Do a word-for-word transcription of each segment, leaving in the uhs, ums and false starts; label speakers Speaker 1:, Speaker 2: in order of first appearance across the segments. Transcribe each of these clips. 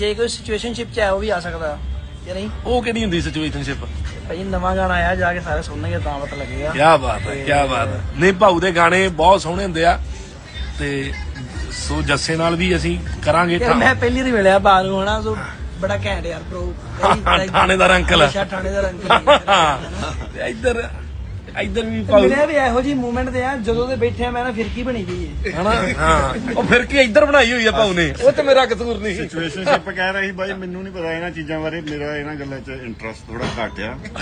Speaker 1: ਜੇ ਕੋਈ ਸਿਚੁਏਸ਼ਨਸ਼ਿਪ ਚ ਹੈ ਉਹ ਵੀ ਆ ਸਕਦਾ ਕਿ ਨਹੀਂ।
Speaker 2: ਉਹ ਕਿਹੜੀ ਹੁੰਦੀ ਸਿਚੁਏਸ਼ਨਸ਼ਿਪ?
Speaker 1: ਭਾਈ ਨਵਾਂ ਗਾਣਾ ਆਇਆ, ਜਾ ਕੇ ਸਾਰੇ ਸੁਣਨਗੇ ਤਾਂ ਪਤਾ ਲੱਗੇਗਾ।
Speaker 2: ਕੀ ਬਾਤ ਹੈ, ਕੀ ਬਾਤ ਹੈ। ਨਹੀਂ ਭਾਊ ਦੇ ਗਾਣੇ ਬਹੁਤ ਸੋਹਣੇ ਹੁੰਦੇ ਆ ਤੇ ਸੋ ਜੱਸੇ ਨਾਲ ਵੀ ਅਸੀਂ ਕਰਾਂਗੇ।
Speaker 1: ਮੈਂ ਪਹਿਲੀ ਵਾਰੀ ਮਿਲਿਆ ਬਾਹਰ ਨੂੰ ਹਨਾ, ਸੋ ਬੜਾ ਘੈਂਟ ਯਾਰ ਪ੍ਰੋ।
Speaker 2: ਥਾਣੇਦਾਰ ਅੰਕਲ
Speaker 1: ਥਾਣੇਦਾਰ ਅੰਕਲ
Speaker 2: ਇੱਧਰ ਇੱਧਰ ਵੀ
Speaker 1: ਮਿਲਿਆ ਵੀ ਇਹੋ ਜਿਹੀ ਮੂਵਮੈਂਟ ਤੇ ਆ ਜਦੋਂ ਦੇ ਬੈਠੇ ਆ ਮੈਂ ਨਾ ਫਿਰਕੀ ਬਣੀ ਗਈ ਹੈ
Speaker 2: ਹਨਾ। ਹਾਂ ਉਹ ਫਿਰ ਕੀ ਇੱਧਰ ਬਣਾਈ ਹੋਈ ਆ ਭਾਊ ਨੇ, ਉਹ ਤੇ ਮੇਰਾ ਕਸੂਰ ਨਹੀਂ।
Speaker 3: ਸਿਚੁਏਸ਼ਨਸ਼ਿਪ ਕਹਿ ਰਿਹਾ ਸੀ ਬਾਈ, ਮੈਨੂੰ ਨਹੀਂ ਪਤਾ ਇਹਨਾਂ ਚੀਜ਼ਾਂ ਬਾਰੇ, ਮੇਰਾ ਇਹਨਾਂ ਗੱਲਾਂ 'ਚ ਇੰਟਰਸਟ ਥੋੜਾ ਘੱਟ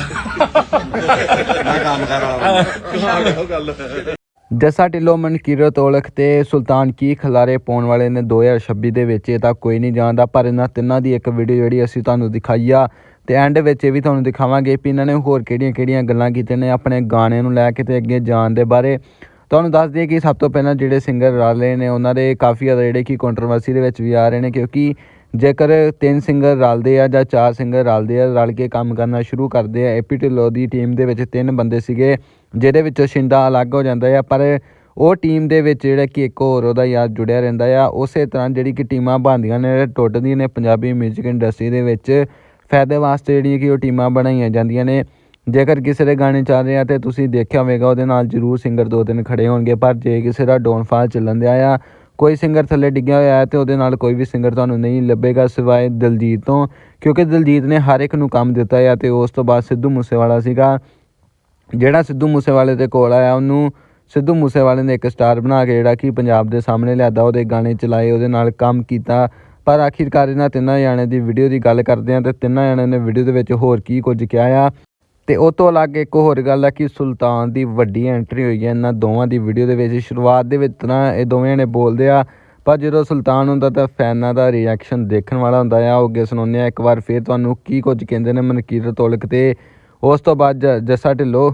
Speaker 3: ਆ। ਮੈਂ ਕੰਮ ਕਰ ਰਹਾ ਗੱਲ।
Speaker 4: ਜੱਸਾ ਢਿੱਲੋਂ, ਮਨਕੀਰਤ ਔਲਖ ਤੇ ਸੁਲਤਾਨ ਕੀ ਖਲਾਰੇ ਪਾਉਣ ਵਾਲੇ ਨੇ ਦੋ ਹਜ਼ਾਰ ਛੱਬੀ ਦੇ ਵਿੱਚ। ਇਹ ਤਾਂ ਕੋਈ ਨਹੀਂ ਜਾਣਦਾ, ਪਰ ਇਹਨਾਂ ਤਿੰਨਾਂ ਦੀ ਇੱਕ ਵੀਡੀਓ ਜਿਹੜੀ ਅਸੀਂ ਤੁਹਾਨੂੰ ਦਿਖਾਈ ਆ ਤੇ ਐਂਡ ਵਿੱਚ ਇਹ ਵੀ ਤੁਹਾਨੂੰ ਦਿਖਾਵਾਂਗੇ ਵੀ ਇਹਨਾਂ ਨੇ ਹੋਰ ਕਿਹੜੀਆਂ ਕਿਹੜੀਆਂ ਗੱਲਾਂ ਕੀਤੀਆਂ ਨੇ ਆਪਣੇ ਗਾਣੇ ਨੂੰ ਲੈ ਕੇ ਤੇ ਅੱਗੇ ਜਾਣ ਦੇ ਬਾਰੇ। ਤੁਹਾਨੂੰ ਦੱਸ ਦਈਏ ਕਿ ਸਭ ਤੋਂ ਪਹਿਲਾਂ ਜਿਹੜੇ ਸਿੰਗਰ ਰਲੇ ਨੇ ਉਹਨਾਂ ਦੇ ਕਾਫੀ ਜ਼ਿਆਦਾ ਜਿਹੜੇ ਕਿ ਕੰਟਰੋਵਰਸੀ ਦੇ ਵਿੱਚ ਵੀ ਆ ਰਹੇ ਨੇ, ਕਿਉਂਕਿ ਜੇਕਰ ਤਿੰਨ ਸਿੰਗਰ ਰਲਦੇ ਆ ਜਾਂ ਚਾਰ ਸਿੰਗਰ ਰਲਦੇ ਆ, ਰਲ ਕੇ ਕੰਮ ਕਰਨਾ ਸ਼ੁਰੂ ਕਰਦੇ ਆ। ਏਪੀ ਢਿੱਲੋਂ ਦੀ ਟੀਮ ਦੇ ਵਿੱਚ ਤਿੰਨ ਬੰਦੇ ਸੀਗੇ, ਜਿਹਦੇ ਵਿੱਚੋਂ ਸ਼ਿੰਦਾ ਅਲੱਗ ਹੋ ਜਾਂਦਾ ਆ, ਪਰ ਉਹ ਟੀਮ ਦੇ ਵਿੱਚ ਜਿਹੜਾ ਕਿ ਇੱਕ ਹੋਰ ਉਹਦਾ ਯਾਰ ਜੁੜਿਆ ਰਹਿੰਦਾ ਆ। ਉਸੇ ਤਰ੍ਹਾਂ ਜਿਹੜੀ ਕਿ ਟੀਮਾਂ ਬਣਦੀਆਂ ਨੇ, ਟੁੱਟਦੀਆਂ ਨੇ ਪੰਜਾਬੀ ਮਿਊਜ਼ਿਕ ਇੰਡਸਟਰੀ ਦੇ ਵਿੱਚ ਫਾਇਦੇ ਵਾਸਤੇ ਜਿਹੜੀਆਂ ਕਿ ਉਹ ਟੀਮਾਂ ਬਣਾਈਆਂ ਜਾਂਦੀਆਂ ਨੇ। ਜੇਕਰ ਕਿਸੇ ਦੇ ਗਾਣੇ ਚੱਲ ਰਹੇ ਆ ਤੇ ਤੁਸੀਂ ਦੇਖਿਆ ਹੋਵੇਗਾ ਉਹਦੇ ਨਾਲ ਜ਼ਰੂਰ ਸਿੰਗਰ ਦੋ ਤਿੰਨ ਖੜੇ ਹੋਣਗੇ, ਪਰ ਜੇ ਕਿਸੇ ਦਾ ਡਾਊਨਫਾਲ ਚੱਲਣ ਦਿਆ ਆ, ਕੋਈ ਸਿੰਗਰ ਥੱਲੇ ਡਿੱਗਿਆ ਹੋਇਆ ਹੈ ਤੇ ਉਹਦੇ ਨਾਲ ਕੋਈ ਵੀ ਸਿੰਗਰ ਤੁਹਾਨੂੰ ਨਹੀਂ ਲੱਭੇਗਾ ਸਿਵਾਏ ਦਿਲਜੀਤ ਤੋਂ, ਕਿਉਂਕਿ ਦਿਲਜੀਤ ਨੇ ਹਰ ਇੱਕ ਨੂੰ ਕੰਮ ਦਿੱਤਾ ਆ। ਤੇ ਉਸ ਤੋਂ ਬਾਅਦ ਸਿੱਧੂ ਮੂਸੇਵਾਲਾ ਸੀਗਾ ਜਿਹੜਾ ਸਿੱਧੂ ਮੂਸੇਵਾਲੇ ਦੇ ਕੋਲ ਆਇਆ, ਉਹਨੂੰ ਸਿੱਧੂ ਮੂਸੇਵਾਲੇ ਨੇ ਇੱਕ ਸਟਾਰ ਬਣਾ ਕੇ ਜਿਹੜਾ ਕਿ ਪੰਜਾਬ ਦੇ ਸਾਹਮਣੇ ਲਿਆਦਾ, ਉਹਦੇ ਗਾਣੇ ਚਲਾਏ, ਉਹਦੇ ਨਾਲ ਕੰਮ ਕੀਤਾ। ਪਰ ਆਖਿਰਕਾਰ ਇਹਨਾਂ ਤਿੰਨਾਂ ਜਾਣਿਆਂ ਦੀ ਵੀਡੀਓ ਦੀ ਗੱਲ ਕਰਦੇ ਹਾਂ ਤੇ ਤਿੰਨਾਂ ਜਾਣਿਆਂ ਨੇ ਵੀਡੀਓ ਦੇ ਵਿੱਚ ਹੋਰ ਕੀ ਕੁਝ ਕਿਹਾ ਆ। ਤੇ ਉਹ ਤੋਂ ਅਲੱਗ ਇੱਕ ਹੋਰ ਗੱਲ ਹੈ ਕਿ ਸੁਲਤਾਨ ਦੀ ਵੱਡੀ ਐਂਟਰੀ ਹੋਈ ਹੈ ਇਹਨਾਂ ਦੋਵਾਂ ਦੀ ਵੀਡੀਓ ਦੇ ਵਿੱਚ। ਸ਼ੁਰੂਆਤ ਦੇ ਵਿੱਚ ਤਾਂ ਇਹ ਦੋਵੇਂ ਜਣੇ ਬੋਲਦੇ ਆ, ਪਰ ਜਦੋਂ ਸੁਲਤਾਨ ਹੁੰਦਾ ਤਾਂ ਫੈਨਾਂ ਦਾ ਰਿਐਕਸ਼ਨ ਦੇਖਣ ਵਾਲਾ ਹੁੰਦਾ ਆ। ਉਹ ਅੱਗੇ ਸੁਣਾਉਂਦੇ ਆ ਇੱਕ ਵਾਰ ਫਿਰ ਤੁਹਾਨੂੰ ਕੀ ਕੁਝ ਕਹਿੰਦੇ ਨੇ ਮਨਕੀਰਤ ਔਲਖ ਤੇ ਉਸ ਤੋਂ ਬਾਅਦ ਜੱਸਾ ਢਿੱਲੋਂ।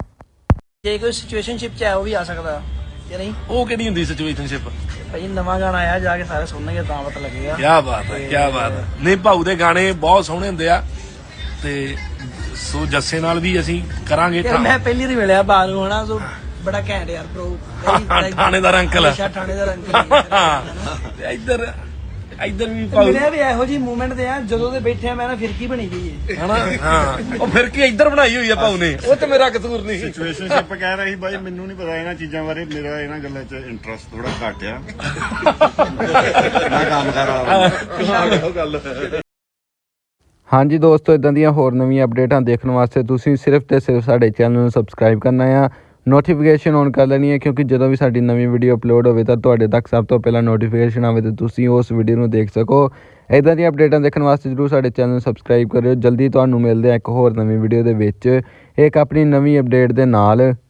Speaker 1: ਜੇ ਕੋਈ ਸਿਚੁਏਸ਼ਨਸ਼ਿਪ ਚ ਹੈ ਉਹ ਵੀ ਆ ਸਕਦਾ ਕਿ ਨਹੀਂ।
Speaker 2: ਉਹ ਕਿਹੜੀ ਹੁੰਦੀ ਸਿਚੁਏਸ਼ਨਸ਼ਿਪ?
Speaker 1: ਭਾਈ ਨਵਾਂ ਗਾਣਾ ਆਇਆ, ਜਾ ਕੇ ਸਾਰੇ ਸੁਣਨਗੇ ਤਾਂ ਪਤਾ ਲੱਗੇਗਾ।
Speaker 2: ਕੀ ਬਾਤ ਹੈ, ਕੀ ਬਾਤ ਹੈ। ਨਹੀਂ ਭਾਊ ਦੇ ਗਾਣੇ ਬਹੁਤ ਸੋਹਣੇ ਹੁੰਦੇ ਆ ਤੇ ਸੋ ਜੱਸੇ ਨਾਲ ਵੀ ਅਸੀਂ ਕਰਾਂਗੇ।
Speaker 1: ਮੈਂ ਪਹਿਲੀ ਵਾਰੀ ਮਿਲਿਆ ਬਾਹਰ ਨੂੰ ਹਨਾ, ਸੋ ਬੜਾ ਘੈਂਟ ਯਾਰ ਪ੍ਰੋ।
Speaker 2: ਥਾਣੇਦਾਰ ਅੰਕਲ
Speaker 1: ਥਾਣੇਦਾਰ ਅੰਕਲ
Speaker 2: ਇੱਧਰ ਇੱਧਰ ਵੀ
Speaker 1: ਮਿਲਿਆ ਵੀ ਇਹੋ ਜਿਹੀ ਮੂਵਮੈਂਟ ਤੇ ਆ ਜਦੋਂ ਦੇ ਬੈਠੇ ਆ ਮੈਂ ਨਾ ਫਿਰਕੀ ਬਣੀ ਗਈ ਹੈ
Speaker 2: ਹਨਾ। ਹਾਂ ਉਹ ਫਿਰ ਕੀ ਇੱਧਰ ਬਣਾਈ ਹੋਈ ਆ ਭਾਊ ਨੇ, ਉਹ ਤੇ ਮੇਰਾ ਕਸੂਰ ਨਹੀਂ।
Speaker 3: ਸਿਚੁਏਸ਼ਨਸ਼ਿਪ ਕਹਿ ਰਿਹਾ ਸੀ ਬਾਈ, ਮੈਨੂੰ ਨਹੀਂ ਪਤਾ ਇਹਨਾਂ ਚੀਜ਼ਾਂ ਬਾਰੇ, ਮੇਰਾ ਇਹਨਾਂ ਗੱਲਾਂ 'ਚ ਇੰਟਰਸਟ ਥੋੜਾ ਘੱਟ ਆ। ਮੈਂ ਕੰਮ ਕਰ ਰਹਾ ਗੱਲ।
Speaker 4: ਹਾਂਜੀ ਦੋਸਤੋ, ਇੱਦਾਂ ਦੀਆਂ ਹੋਰ ਨਵੀਆਂ ਅਪਡੇਟਾਂ ਦੇਖਣ ਵਾਸਤੇ ਤੁਸੀਂ ਸਿਰਫ ਤੇ ਸਿਰਫ ਸਾਡੇ ਚੈਨਲ ਨੂੰ ਸਬਸਕ੍ਰਾਈਬ ਕਰਨਾ ਆ, ਨੋਟੀਫਿਕੇਸ਼ਨ ਔਨ ਕਰ ਲੈਣੀ ਹੈ, ਕਿਉਂਕਿ ਜਦੋਂ ਵੀ ਸਾਡੀ ਨਵੀਂ ਵੀਡੀਓ ਅਪਲੋਡ ਹੋਵੇ ਤਾਂ ਤੁਹਾਡੇ ਤੱਕ ਸਭ ਤੋਂ ਪਹਿਲਾਂ ਨੋਟੀਫਿਕੇਸ਼ਨ ਆਵੇ ਤੇ ਤੁਸੀਂ ਉਸ ਵੀਡੀਓ ਨੂੰ ਦੇਖ ਸਕੋ। ਇੱਦਾਂ ਦੀਆਂ ਅਪਡੇਟਾਂ ਦੇਖਣ ਵਾਸਤੇ ਜ਼ਰੂਰ ਸਾਡੇ ਚੈਨਲ ਨੂੰ ਸਬਸਕ੍ਰਾਈਬ ਕਰਿਓ। ਜਲਦੀ ਤੁਹਾਨੂੰ ਮਿਲਦੇ ਆ ਇੱਕ ਹੋਰ ਨਵੀਂ ਵੀਡੀਓ ਦੇ ਵਿੱਚ ਇੱਕ ਆਪਣੀ ਨਵੀਂ ਅਪਡੇਟ ਦੇ ਨਾਲ।